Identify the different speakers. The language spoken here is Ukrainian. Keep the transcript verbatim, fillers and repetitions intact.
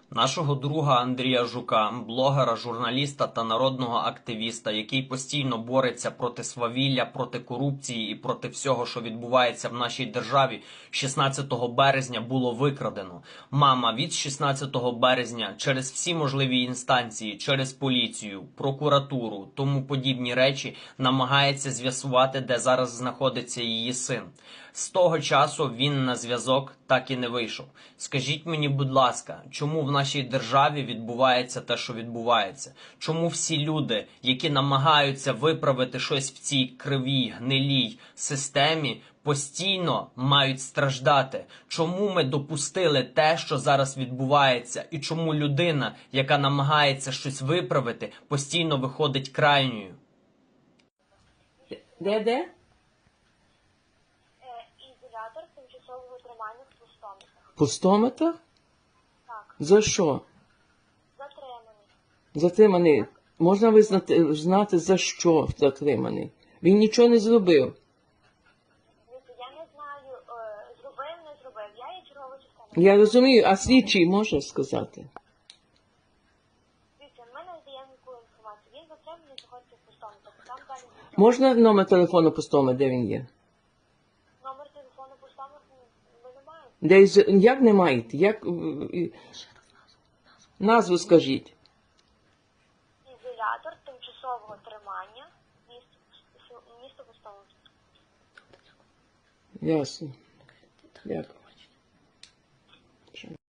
Speaker 1: Нашого друга Андрія Жука, блогера, журналіста та народного активіста, який постійно бореться проти свавілля, проти корупції і проти всього, що відбувається в нашій державі, шістнадцятого березня було викрадено. Мама від шістнадцятого березня через всі можливі інстанції, через поліцію, прокуратуру, тому подібні речі намагається з'ясувати, де зараз знаходиться її син. З того часу він на зв'язок так і не вийшов. Скажіть мені, будь ласка, чому в нашій державі відбувається те, що відбувається? Чому всі люди, які намагаються виправити щось в цій кривій, гнилій системі, постійно мають страждати? Чому ми допустили те, що зараз відбувається? І чому людина, яка намагається щось виправити, постійно виходить крайньою?
Speaker 2: Де-де?
Speaker 3: Ізолятор тимчасового тримання в пустометах.
Speaker 2: Пустометр?
Speaker 3: Так,
Speaker 2: За що?
Speaker 3: затриманий.
Speaker 2: Затриманий. Можна визнати, знати, за що затриманий? Він нічого не зробив.
Speaker 3: Дивіться, я не знаю, е, зробив, не зробив. Я є чергова частина.
Speaker 2: Я розумію, а слідчий може сказати?
Speaker 3: Дивіться, ми не даємо яку інформацію. Він затриманий, знаходиться в пустометах. Там далі нічого.
Speaker 2: Можна номер телефону пустометра, де він є?
Speaker 3: Номер телефону пустометр ми не маємо.
Speaker 2: Де, із- як не маєте? Як... е, е, Назву скажіть.
Speaker 3: Ізолятор тимчасового тримання місто, місто пустометр.
Speaker 2: Ясно. Дякую.